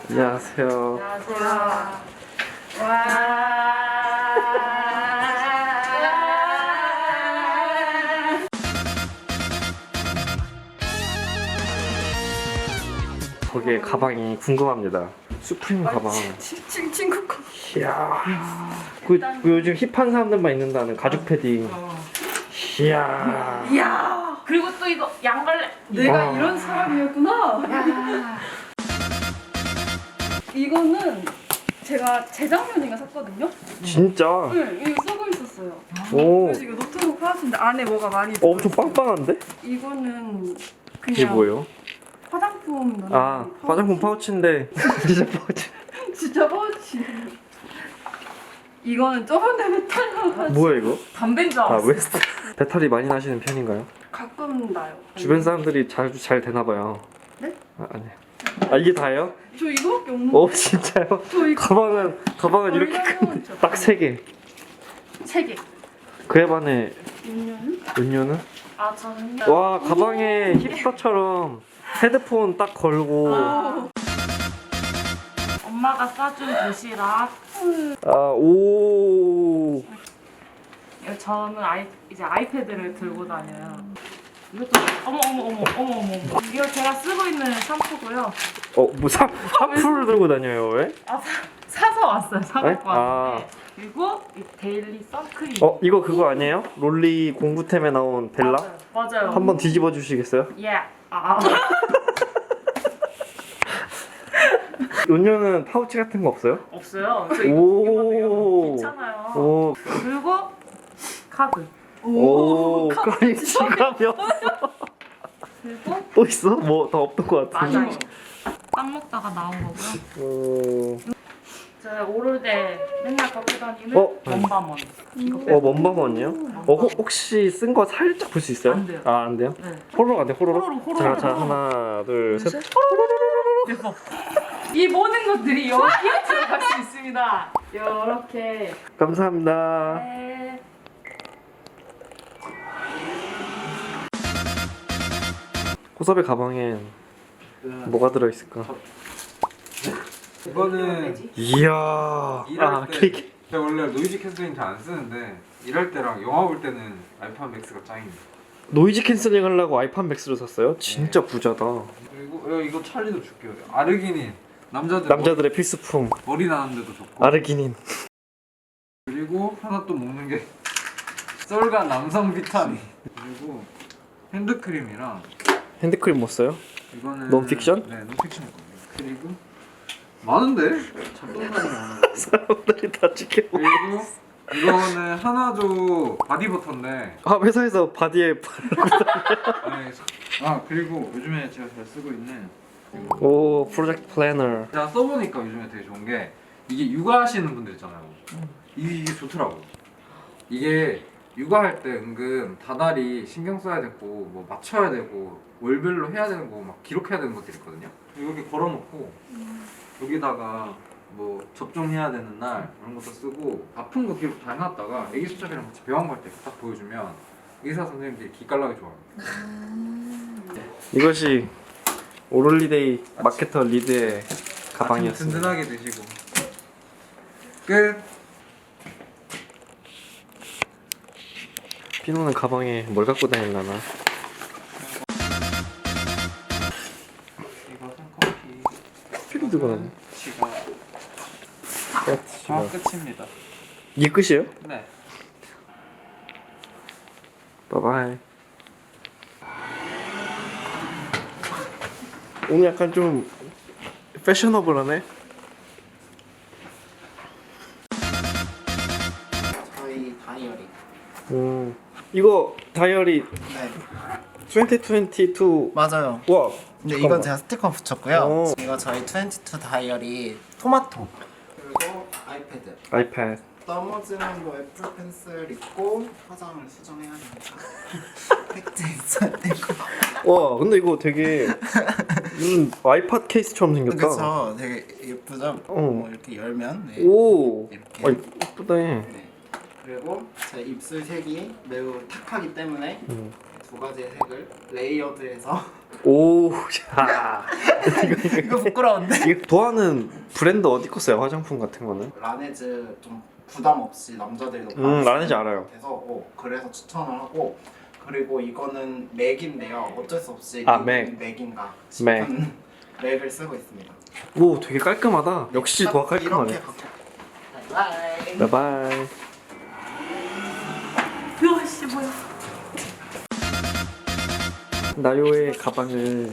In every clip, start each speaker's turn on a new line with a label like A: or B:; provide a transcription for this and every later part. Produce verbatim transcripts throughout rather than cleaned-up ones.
A: 안녕하세요.
B: 안녕하세요. 와.
A: 거기에 가방이 궁금합니다. 수프림 가방.
B: 친 친구 거.
A: 이야. 그, 그 요즘 힙한 사람들만 입는다는 가죽 패딩. 이야.
B: 이야.
C: 그리고 또 이거 양갈래.
B: 내가
A: 와.
B: 이런 사람이었구나.
C: 야.
B: 이거는 제가 재작년인가 샀거든요.
A: 진짜.
B: 네, 이거 쓰고 있었어요.
A: 오.
B: 그래서 이거 노트북 파우치인데 안에 뭐가 많이
A: 어, 엄청 빵빵한데?
B: 이거는 그냥
A: 이게 뭐예요?
B: 화장품 넣는
A: 아,
B: 파우치.
A: 화장품 파우치인데. 진짜 파우치.
B: 진짜 파우치. 이거는 저번에 메탈 나가지고
A: 뭐야 이거?
C: 담배인 줄
A: 아,
C: 알았어.
A: 웨스트. 배탈이 많이 나시는 편인가요?
B: 가끔 나요.
A: 주변 사람들이 잘, 잘 되나봐요.
B: 네?
A: 아, 아니요. 아, 이게 다예요?
B: 저 이거밖에 없는데.
A: 오, 진짜요?
B: 저 이거
A: 가방은, 가방은 이렇게
B: 얼마나
A: 큰, 딱 세 개.
B: 세 개.
A: 그에 반해
B: 음료는?
A: 음료는?
C: 아 저는
A: 와, 가방에 힙스터처럼 헤드폰 딱 걸고.
B: 오.
C: 엄마가 싸준 도시락.
A: 아, 오.
C: 저는 아이 이제 아이패드를 들고 다녀요. 이것도 어머 어머 어머 어머 어머. 이거 제가 쓰고 있는 샴푸고요.
A: 어, 뭐 사, 샴푸를 들고 다녀요, 왜?
C: 아 사, 사서 왔어요. 사
A: 네?
C: 갖고 왔는데. 그리고 이 데일리 선크림.
A: 어, 이거 그거 아니에요? 롤리 공구템에 나온 벨라?
C: 맞아요. 맞아요.
A: 한번 뒤집어 주시겠어요?
C: 예. 아.
A: 음료는 파우치 같은 거 없어요?
C: 없어요. 저 이거
A: 오.
C: 이거 괜찮아요.
A: 오,
C: 그리고 카드.
A: 오, 까리 지갑이요?
C: 그리고
A: 또 있어? 뭐 더 없던 것 같은데.
C: 맞아요. 빵 먹다가 나온 거고요.
A: 오,
C: 제가 오를 때 맨날 갖고 다니는
A: 어?
C: 원바먼. 이거
A: 어, 먼바먼이요? 어, 혹- 혹시 쓴 거 살짝 볼 수 있어요?
C: 안 돼요.
A: 아, 안 돼요?
C: 네.
A: 호로록 안 돼, 호로록?
C: 호로록, 호로록,
A: 자, 자,
C: 호로록.
A: 하나, 둘, 셋.
C: 대박. 이 모든 것들이 여기에 들어갈 수 있습니다. 이렇게.
A: 감사합니다.
C: 네.
A: 호섭의 가방엔 뭐가 들어있을까?
D: 이거는
A: 이야.
D: 일할
A: 아,
D: 때
A: 케이크.
D: 제가 원래 노이즈 캔슬링 잘 안 쓰는데 일할 때랑 영화 볼 때는 알파 맥스가 짱입니다.
A: 노이즈 캔슬링 하려고 아이팟 맥스를 샀어요? 진짜 부자다.
D: 그리고 어, 이거 찰리도 줄게요. 아르기닌 남자들
A: 남자들의 필수품.
D: 머리 나는데도 좋고.
A: 아르기닌.
D: 그리고 하나 또 먹는 게 썰간 남성 비타민. 그리고 핸드크림이랑
A: 핸드크림 뭐 써요?
D: 이거는
A: 논픽션?
D: 네, 논픽션 거예요. 그리고 많은데 잡동사니 많아.
A: 사람들이 다 지켜보고.
D: 그리고 이거는 하나조 바디버터인데
A: 아, 회사에서 바디에
D: 네. 아 그리고 요즘에 제가 잘 쓰고 있는
A: 오, 프로젝트 플래너.
D: 제가 써보니까 요즘에 되게 좋은 게 이게 육아하시는 분들 있잖아요. 이게, 이게 좋더라고. 이게 육아할 때 은근 다달이 신경 써야 되고 뭐 맞춰야 되고 월별로 해야 되는 거 막 기록해야 되는 것들이 있거든요. 이렇게 걸어놓고 여기다가 뭐 접종해야 되는 날 이런 것도 쓰고 아픈 거 기록 다 해놨다가 애기 수첩이랑 같이 병원 갈 때 딱 보여주면 의사 선생님들이 기깔나게 좋아합니다.
A: 이것이 오롤리데이 마케터 리드의
D: 아침
A: 가방이었습니다.
D: 든든하게 드시고 끝.
A: 피노는 가방에 뭘 갖고 다닐라나?
D: 이거 손커피.
A: 피도 들고 다니.
D: 지갑.
A: 아,
D: 아 끝입니다.
A: 이게 끝이에요?
D: 네.
A: 바이바이. 오늘 약간 좀 패셔너블하네.
E: 저희 다이어리.
A: 음, 이거 다이어리
E: 네.
A: 이천이십이.
E: 맞아요.
A: 와.
E: 근데
A: 잠깐만.
E: 이건 제가 스티커 붙였고요.
A: 오.
E: 이거 저희 이십이 다이어리 토마토. 그리고 아이패드.
A: 아이패드.
E: 넘어지는 뭐 애플 펜슬 있고 화장을 수정해야 되니까 팩트 있어야 되고.
A: 와, 근데 이거 되게 음, 아이팟 케이스처럼 생겼다.
E: 그쵸. 되게 예쁘죠.
A: 어.
E: 뭐 이렇게 열면 네.
A: 오.
E: 이렇게.
A: 아, 이쁘다.
E: 네. 그리고 제 입술 색이 매우 탁하기 때문에
A: 음.
E: 두 가지의 색을 레이어드해서
A: 오, 야.
E: 이거 부끄러운데?
A: 이거 좋아하는 브랜드 어디 거 써요? 화장품 같은 거는?
E: 라네즈 좀 부담 없이 남자들도
A: 음, 라네즈 알아요.
E: 그래서 어, 그래서 추천을 하고 그리고 이거는 맥인데요. 어쩔 수 없이
A: 아,
E: 이건
A: 맥.
E: 맥인가 싶은 맥을 쓰고 있습니다.
A: 오, 되게 깔끔하다. 역시
E: 딱
A: 도화 깔끔하네.
E: 이렇게 갖고 바이바이.
A: 바이바이.
B: 으아씨 뭐야?
A: 나요의 가방을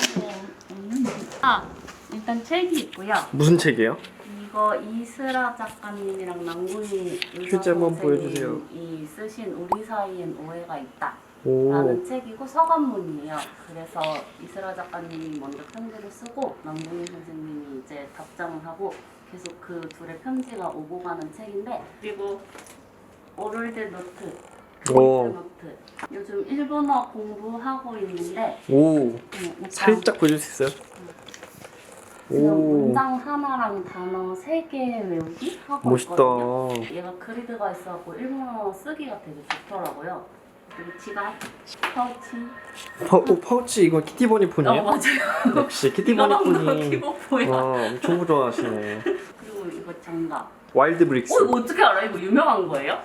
B: 아 일단 책이 있고요.
A: 무슨 책이에요?
B: 이거 이슬아 작가님이랑 남궁희
A: 휴지 한번 보여주세요.
B: 이 쓰신 우리 사이엔 오해가 있다.
A: 오,
B: 라는 책이고 서간문이에요. 그래서 이슬아 작가님이 먼저 편지를 쓰고 남궁희 선생님이 이제 답장을 하고 계속 그 둘의 편지가 오고 가는 책인데 그리고 오를데 노트,
A: 오.
B: 오를데 노트. 요즘 일본어 공부하고 있는데
A: 오,
B: 음, 일단
A: 살짝 보여줄 수 있어요?
B: 지금
A: 오,
B: 문장 하나랑 단어 세 개 외우기 하고
A: 멋있다.
B: 있거든요. 얘가 그리드가 있어갖고 일본어 쓰기가 되게 좋더라고요. 그리고 지갑, 파우치.
A: 파, 오, 파우치 이거 키티버니
B: 어
A: 폰이에요?
B: 맞아요.
A: 역시 키티버니
B: 이거랑도
A: 폰이
B: 키보포야.
A: 와, 엄청 좋아하시네.
B: 그리고 이거 장갑.
A: 와일드 브릭스.
B: 어 이거 어떻게 알아? 이거 유명한 거예요?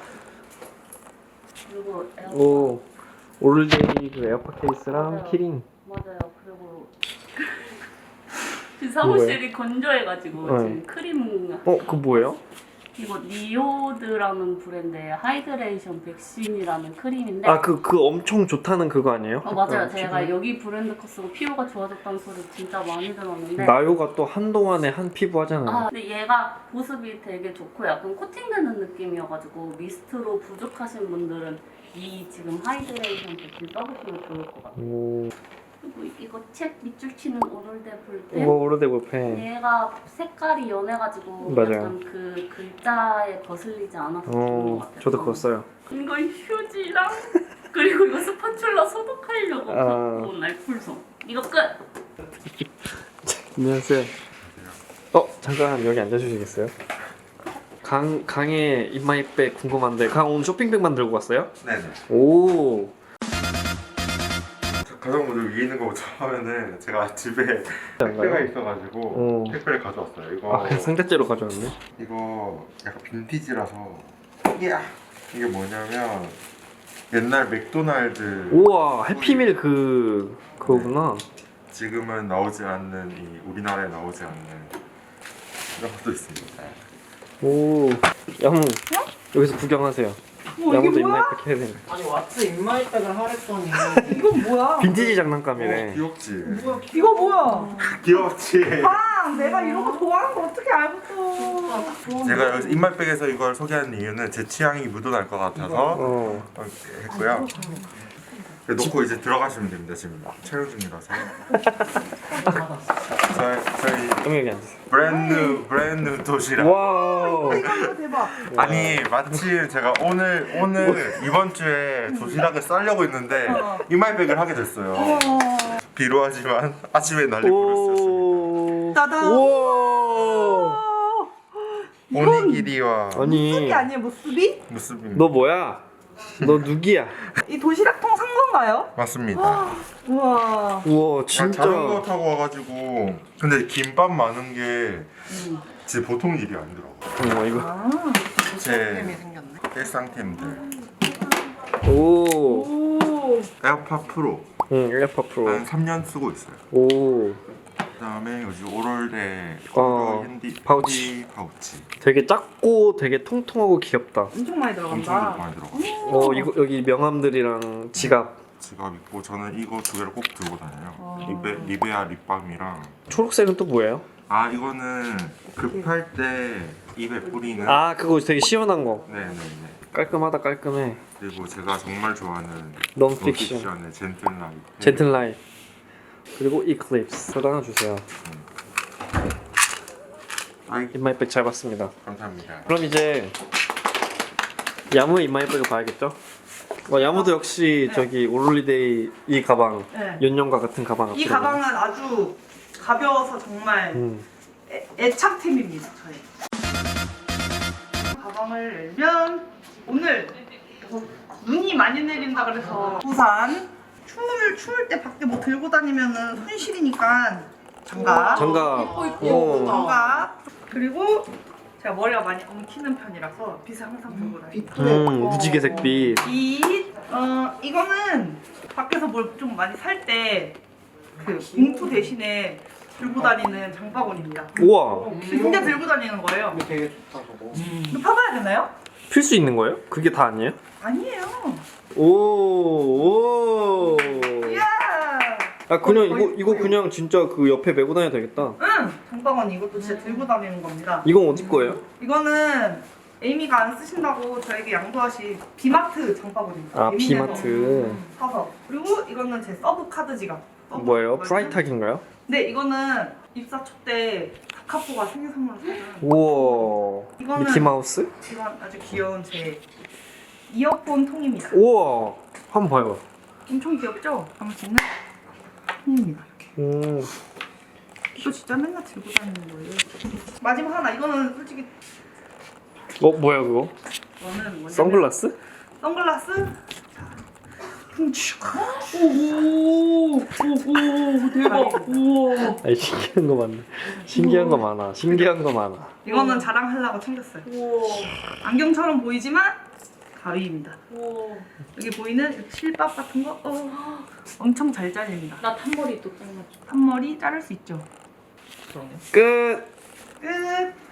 B: 그리고 에어팟.
A: 오, 오를데이 그 에어팟 케이스랑
B: 맞아요.
A: 키링.
B: 맞아요. 그리고 그 사무실이 건조해가지고
A: 네.
B: 지금 크림.
A: 어, 그거 뭐예요?
B: 이거 니오드라는 브랜드의 하이드레이션 백신이라는 크림인데.
A: 아, 그, 그 엄청 좋다는 그거 아니에요?
B: 어 맞아요.
A: 어,
B: 제가
A: 피부.
B: 여기 브랜드 거 쓰고 피부가 좋아졌다는 소리 진짜 많이 들었는데.
A: 나요가 또 한동안에 한 피부 하잖아요.
B: 아 근데 얘가 보습이 되게 좋고 약간 코팅되는 느낌이어가지고 미스트로 부족하신 분들은 이 지금 하이드레이션 백신 써보시면 좋을 것 같아요.
A: 오,
B: 그리고 이거 책 밑줄 치는 오늘대
A: 이거
B: 볼때
A: 오르데보 펜.
B: 얘가 색깔이 연해가지고
A: 맞아요.
B: 약간 그 글자에 거슬리지 않아서 좋은 것
A: 어,
B: 같아요.
A: 저도 그거 써요.
B: 이거 휴지랑 그리고 이거 스파츌라 소독하려고
A: 아.
B: 갖고 온 알콜솜. 이거 끝!
A: 안녕하세요. 어, 잠깐 여기 앉아주시겠어요? 강, 강의 인마이백 궁금한데 강 오늘 쇼핑백만 들고 왔어요?
F: 네네.
A: 오,
F: 가장 먼저 위에 있는 거부터 하면은 제가 집에 택배가
A: 뭔가요?
F: 있어가지고
A: 어.
F: 택배를 가져왔어요. 이거
A: 아, 그냥 상자째로 가져왔네.
F: 이거 약간 빈티지라서 이야 이게 뭐냐면 옛날 맥도날드
A: 우와, 해피밀 그 그거구나.
F: 지금은 나오지 않는 이 우리나라에 나오지 않는 이런 것도 있습니다.
A: 오, 야무 여기서 구경하세요.
G: 뭐 이게
A: 야무도
G: 뭐야?
A: 인마이백 해야 되는.
E: 아니 왓츠 인마이백을 하랬더니
G: 이건 뭐야?
A: 빈티지
F: 어,
A: 장난감이래.
F: 귀엽지?
E: 뭐야
G: 이거 뭐야?
F: 귀엽지?
G: 아, 내가 이런 거 좋아하는 거 어떻게 알고 또?
F: 제가 여기서 인말백에서 이걸 소개하는 이유는 제 취향이 묻어날 것 같아서
A: 어,
F: 이렇게 했고요. 놓고 이제 들어가시면 됩니다. 지금 촬영 중이라서. 저희, 저희
A: 그럼 여기 앉으세요.
F: 브랜드 브랜드 도시락.
A: 와우.
G: 이거 대박.
F: 아니 마침 제가 오늘 오늘 이번 주에 도시락을 싸려고 했는데 이말백을 하게 됐어요. 비루하지만 아침에 날리 부르스였습니다.
A: 오,
G: 따단.
A: 우와.
F: 오니기리와
A: 아니,
G: 수비 아니에요? 뭐 수비?
F: 무스입니다.
A: 너 뭐야? 너 누구야?
G: 이 도시락통 산 건가요?
F: 맞습니다.
G: 우와.
A: 우와,
F: 그냥
A: 진짜.
F: 자전거 타고 와가지고 근데 김밥 많은 게 진짜 보통 일이 아니더라고요.
A: 어, 이거.
G: 아.
F: 제
E: 템이 생겼네.
F: 일상템들
A: 오,
G: 오.
F: 에어팟 프로
A: 응, 에어팟 프로.
F: 한 삼 년 쓰고 있어요.
A: 오,
F: 그다음에 요즘 오럴대
A: 어,
F: 핸디
A: 파우치.
F: 핸디 파우치
A: 되게 작고 되게 통통하고 귀엽다.
G: 엄청 많이
F: 엄청
G: 들어간다.
F: 많이 들어가.
A: 어, 이거 여기 명함들이랑 지갑.
F: 지갑 있고 저는 이거 두 개를 꼭 들고 다녀요.
G: 어.
F: 리베, 리베아 립밤이랑
A: 초록색은 또 뭐예요?
F: 아 이거는 급할 때 입에 뿌리는
A: 아, 그거 되게 시원한 거.
F: 네네네.
A: 깔끔하다, 깔끔해.
F: 그리고 제가 정말 좋아하는
A: 넌픽션.
F: 넌픽션의 젠틀라이트.
A: 젠틀라이트. 그리고 이클립스 하나 주세요.
F: 아이
A: 인마이백 잘 봤습니다.
F: 감사합니다.
A: 그럼 이제 야무의 인마이백을 봐야겠죠? 어, 야무도 역시 저기 오롤리데이 이 가방,
G: 네.
A: 윤영과 같은 가방.
G: 이
A: 앞으로.
G: 가방은 아주 가벼워서 정말
A: 음.
G: 애, 애착템입니다. 저희. 가방을 열면 오늘 눈이 많이 내린다 그래서 부산 추울 추울 때 밖에 뭐 들고 다니면은 손실이니까 장갑.
A: 장갑. 오.
G: 장갑. 그리고 제가 머리가 많이 엉키는 편이라서 빛을 항상 들고 다니고.
A: 음, 무지개색 빛.
G: 빛. 어 이거는 밖에서 뭘 좀 많이 살 때 그 봉투 대신에 들고 다니는 장바구니입니다.
A: 우와.
G: 진짜 들고 다니는 거예요.
E: 이거 되게 좋다 저거.
G: 이거 파봐야 되나요?
A: 필 수 있는 거예요? 그게 다 아니에요?
G: 아니에요.
A: 오. 오.
G: 이야.
A: 아 그냥
G: 거의-
A: 이거 이거 그냥 진짜 그 옆에 메고 다녀도 되겠다.
G: 응. 장바구니 이것도 진짜 들고 다니는 겁니다.
A: 이건 어디 거예요?
G: 이거는 에이미가 안 쓰신다고 저에게 양도하신 비마트 장바구니입니다.
A: 아
G: 예민해서
A: 비마트.
G: 사서. 그리고 이거는 제 서브 카드 지갑. 서브
A: 뭐예요?
G: 카드.
A: 프라이탁인가요?
G: 네, 이거는 입사 초 때 다카포가 생일 선물로 사준
A: 우와.
G: 이거는-
A: 미키마우스?
G: 이건 아주 귀여운 제 이어폰 통입니다.
A: 우와. 한번 봐요.
G: 엄청 귀엽죠? 아마 찍는 통입니다. 이렇게.
A: 음.
G: 이거 진짜 맨날 들고 다니는 거예요. 마지막 하나. 이거는 솔직히
A: 어 뭐야 그거?
G: 저는 뭐냐면
A: 선글라스?
G: 선글라스. 자, 훔치고. 오오 오오 대박. 우와.
A: 아니 신기한 거 많네. 신기한 거 많아. 신기한 거 많아.
G: 이거는 자랑하려고 챙겼어요.
C: 우와.
G: 안경처럼 보이지만 가위입니다.
C: 우와.
G: 여기 보이는 이렇게 실밥 같은 거 어, 엄청 잘 잘립니다.
B: 나 탄머리 또 잘라줘.
G: 앞머리 자를 수 있죠.
A: 끝.
G: 끝.